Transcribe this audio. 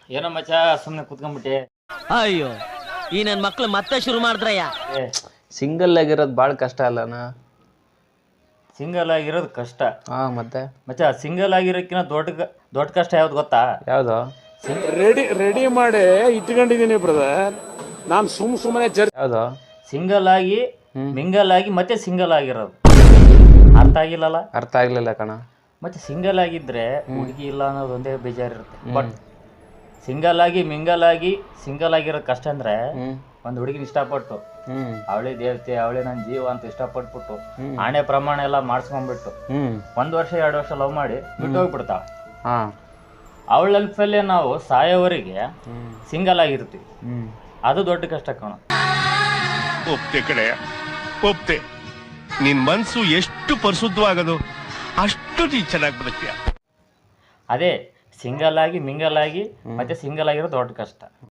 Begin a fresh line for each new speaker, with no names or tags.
ಏನೋ ಮಚ್ಚ ಸುಮ್ಮನೆ ಕುತ್ಕೊಂಡ್ಬಿಟ್ಟೆ.
ಅಯ್ಯೋ ಈ ನನ್ ಮಕ್ಳು ಮತ್ತೆ ಶುರು ಮಾಡಿದ್ರಯ್ಯ.
ಸಿಂಗಲ್ ಆಗಿರೋದು ಭಾಳ ಕಷ್ಟ ಅಲ್ಲನಾ.
ಸಿಂಗಲ್ ಆಗಿರೋದು ಕಷ್ಟ.
ಮತ್ತೆ
ಮಚ್ಚ ಸಿಂಗಲ್ ಆಗಿರೋಕ್ಕಿಂತ ದೊಡ್ಡ ಕಷ್ಟ ಯಾವ್ದು ಗೊತ್ತಾ?
ಯಾವ್ದು?
ರೆಡಿ ಮಾಡಿ ಇಟ್ಕೊಂಡಿದ್ದೀನಿ ಬ್ರದರ್. ನಾನು ಸುಮ್ಮನೆ
ಯಾವ್ದು?
ಸಿಂಗಲ್ ಆಗಿ ಮಿಂಗಲ್ ಆಗಿ ಮತ್ತೆ ಸಿಂಗಲ್ ಆಗಿರೋದು. ಅರ್ಥ ಆಗಿಲ್ಲಲ್ಲ?
ಅರ್ಥ ಆಗ್ಲಿಲ್ಲ ಕಣ.
ಮತ್ತೆ ಸಿಂಗಲ್ ಆಗಿದ್ರೆ ಹುಡುಗಿ ಇಲ್ಲ ಅನ್ನೋದು ಒಂದೇ ಬೇಜಾರಿರುತ್ತೆ. ಬಟ್ ಸಿಂಗಲ್ ಆಗಿ ಮಿಂಗಲ್ ಆಗಿ ಸಿಂಗಲ್ ಆಗಿರೋದು ಕಷ್ಟ ಅಂದ್ರೆ ಒಂದು ಹುಡುಗಿನ ಇಷ್ಟಪಟ್ಟು ಅವಳೇ ದೇವತೆ ಅವಳೇ ನನ್ನ ಜೀವ ಅಂತ ಇಷ್ಟಪಟ್ಬಿಟ್ಟು ಆಣೆ ಪ್ರಮಾಣ ಎಲ್ಲ ಮಾಡಿಸ್ಕೊಂಡ್ಬಿಟ್ಟು 1 ವರ್ಷ 2 ವರ್ಷ ಲವ್ ಮಾಡಿ ಬಿಟ್ಟು ಹೋಗ್ಬಿಡ್ತಾಳ. ಅವಳ ಲೈಫಲ್ಲೇ ನಾವು ಸಾಯೋವರೆಗೆ ಸಿಂಗಲ್ ಆಗಿರ್ತೀವಿ. ಅದು ದೊಡ್ಡ ಕಷ್ಟ ಕಣ.
ಒಪ್ತೆ ಕಡೆ ಒಪ್ತೆ. ನಿನ್ ಮನ್ಸು ಎಷ್ಟು ಪರಿಶುದ್ಧವಾಗದು ಅಷ್ಟು ನೀ ಚೆನ್ನಾಗಿ ಬದುಕ್ತೀಯ.
ಅದೇ ಸಿಂಗಲ್ ಆಗಿ ಮಿಂಗಲ್ ಆಗಿ ಮತ್ತೆ ಸಿಂಗಲ್ ಆಗಿರೋದು ದೊಡ್ಡ ಕಷ್ಟ.